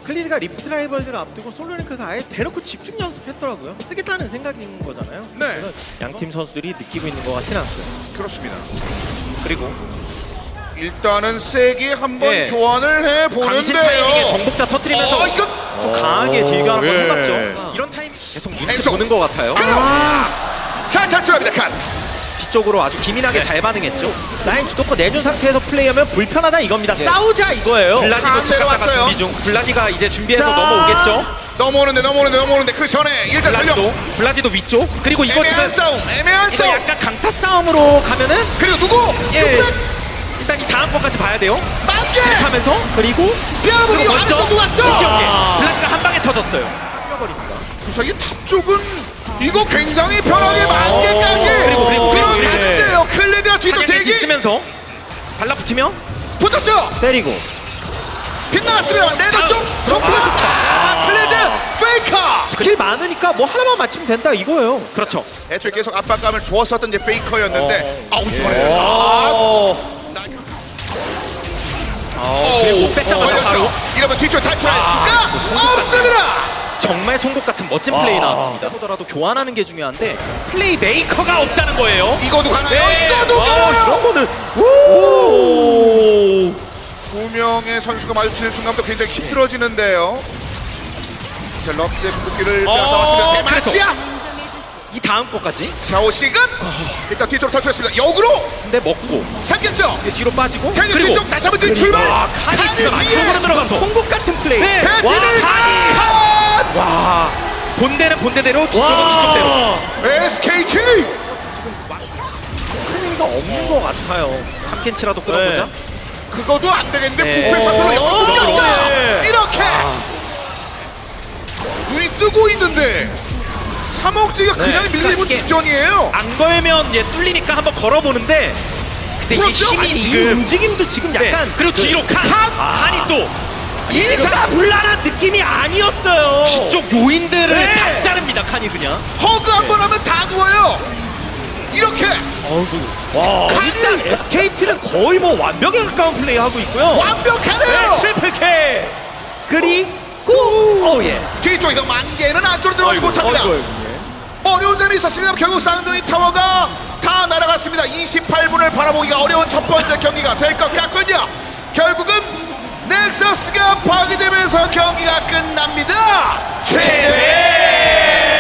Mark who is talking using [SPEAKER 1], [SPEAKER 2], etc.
[SPEAKER 1] 클리드가 리프트 라이벌들을 앞두고 솔로링크가 아예 대놓고 집중 연습했더라고요. 쓰겠다는 생각인 거잖아요.
[SPEAKER 2] 네.
[SPEAKER 1] 그래서 양팀 선수들이 느끼고 있는 것 같지는 않고요.
[SPEAKER 2] 그렇습니다.
[SPEAKER 3] 그리고
[SPEAKER 2] 일단은 세게 한번
[SPEAKER 3] 예.
[SPEAKER 2] 교환을
[SPEAKER 3] 강신 타이밍에
[SPEAKER 2] 해보는데요.
[SPEAKER 3] 정복자 터트리면서
[SPEAKER 2] 이거
[SPEAKER 3] 좀 강하게 딜교 한번
[SPEAKER 1] 예.
[SPEAKER 3] 해봤죠. 이런 타임 계속 눈치
[SPEAKER 2] 왼쪽.
[SPEAKER 3] 보는 것 같아요.
[SPEAKER 2] 자, 탈출합니다. 칸.
[SPEAKER 3] 뒤쪽으로 아주 기민하게
[SPEAKER 1] 네.
[SPEAKER 3] 잘 반응했죠.
[SPEAKER 1] 라인 주도권 내준 상태에서 플레이하면 불편하다 이겁니다.
[SPEAKER 3] 예.
[SPEAKER 1] 싸우자 이거예요.
[SPEAKER 3] 블라디도
[SPEAKER 2] 칸
[SPEAKER 3] 즉각다가
[SPEAKER 2] 내려왔어요.
[SPEAKER 3] 준비 중. 블라디가 이제 준비해서
[SPEAKER 1] 자.
[SPEAKER 3] 넘어오겠죠.
[SPEAKER 2] 넘어오는데 그 전에 일단
[SPEAKER 3] 블라디도
[SPEAKER 2] 전령.
[SPEAKER 3] 블라디도 위쪽. 그리고 이거 지금
[SPEAKER 2] 애매한
[SPEAKER 3] 이거
[SPEAKER 2] 싸움.
[SPEAKER 3] 약간 강타 싸움으로 가면은
[SPEAKER 2] 그리고 누구?
[SPEAKER 3] 예. 일단 이 다음 것까지 봐야 돼요.
[SPEAKER 2] 만개.
[SPEAKER 3] 하면서
[SPEAKER 1] 그리고
[SPEAKER 2] 뼈아부기
[SPEAKER 3] 그리고
[SPEAKER 2] 안에
[SPEAKER 3] 먼저
[SPEAKER 2] 또 왔죠.
[SPEAKER 3] 시시하게 블라디가 한 방에 터졌어요. 뛰어버립니다.
[SPEAKER 2] 구석이 탑 쪽은 이거 굉장히 편하게 만개까지
[SPEAKER 3] 그리고
[SPEAKER 2] 들어갔는데요. 클레드가 뒤도
[SPEAKER 3] 사격이
[SPEAKER 2] 대기
[SPEAKER 3] 있으면서 달라붙으면
[SPEAKER 2] 붙었죠.
[SPEAKER 1] 때리고
[SPEAKER 2] 빗나갔으면 레드 쪽 정플. 클레드 페이커.
[SPEAKER 1] 스킬 많으니까 뭐 하나만 맞추면 된다 이거예요.
[SPEAKER 3] 그렇죠.
[SPEAKER 2] 애초에 계속 압박감을 주었었던 이제 페이커였는데 아웃 이번에
[SPEAKER 3] 그리고 못 뺐자마자 바로
[SPEAKER 2] 이러면 뒤쪽 탈출할 수가 없습니다.
[SPEAKER 3] 정말 송곳 같은 멋진 플레이 나왔습니다. 보더라도 교환하는 게 중요한데 플레이 메이커가 없다는 거예요.
[SPEAKER 2] 이거도 가나요?
[SPEAKER 3] 네.
[SPEAKER 2] 이거도 가나요?
[SPEAKER 1] 이런 거는
[SPEAKER 2] 두 명의 선수가 마주치는 순간부터 굉장히 힘들어지는데요. 자, 럭스의 궁극기를 빼앗아왔습니다. 대마시아!
[SPEAKER 3] 이 다음 거까지
[SPEAKER 2] 샤오 시간! 일단 뒤쪽으로 탈출했습니다. 역으로
[SPEAKER 3] 근데 먹고
[SPEAKER 2] 삼겼죠?
[SPEAKER 3] 뒤로 빠지고
[SPEAKER 2] 캐니
[SPEAKER 3] 그리고
[SPEAKER 2] 뒤쪽 다시 한번 들 출발!
[SPEAKER 3] 와 칸이 진짜
[SPEAKER 2] 뒤에
[SPEAKER 3] 안쪽으로 들어가서
[SPEAKER 1] 송곳 같은 플레이.
[SPEAKER 3] 네.
[SPEAKER 2] 배트를
[SPEAKER 3] 와,
[SPEAKER 2] 칸!
[SPEAKER 3] 와 본대는 본대대로 뒤쪽은 뒤쪽대로
[SPEAKER 2] SKT!
[SPEAKER 1] 플레이가 없는 것 같아요.
[SPEAKER 3] 한 캔치라도 끌어보자.
[SPEAKER 2] 그거도 안 되겠는데
[SPEAKER 3] 네.
[SPEAKER 2] 부패 사슬로 역으로 끊겼죠?
[SPEAKER 1] 네.
[SPEAKER 2] 이렇게! 눈이 뜨고 있는데 3억지가 그냥 밀리는
[SPEAKER 3] 이게-
[SPEAKER 2] 직전이에요.
[SPEAKER 3] 안 걸면 얘 뚫리니까 한번 걸어보는데 근데 이게
[SPEAKER 2] 그렇죠?
[SPEAKER 3] 힘이
[SPEAKER 2] 아니,
[SPEAKER 1] 이
[SPEAKER 3] 지금
[SPEAKER 1] 움직임도 지금
[SPEAKER 3] 네.
[SPEAKER 1] 약간
[SPEAKER 3] 그리고 뒤로 칸이 또
[SPEAKER 1] 일사불란한 느낌이 아니었어요.
[SPEAKER 3] 뒤쪽 요인들을
[SPEAKER 1] 네.
[SPEAKER 3] 다 자릅니다. 칸이 그냥
[SPEAKER 2] 허그 한 번 하면 다 누워요. 이렇게
[SPEAKER 1] 와,
[SPEAKER 2] 칸이
[SPEAKER 1] 일단 SKT는 거의 뭐 완벽에 가까운 플레이 하고 있고요.
[SPEAKER 2] 완벽하네요.
[SPEAKER 1] 트리플 K. 그리고 예.
[SPEAKER 2] 뒤쪽에서 만개는 안쪽으로 들어가지 못합니다. 어려운 점이 있었습니다. 결국 쌍둥이 타워가 다 날아갔습니다. 28분을 바라보기가 어려운 첫 번째 경기가 될 것 같군요. 결국은 넥서스가 파괴되면서 경기가 끝납니다. 최대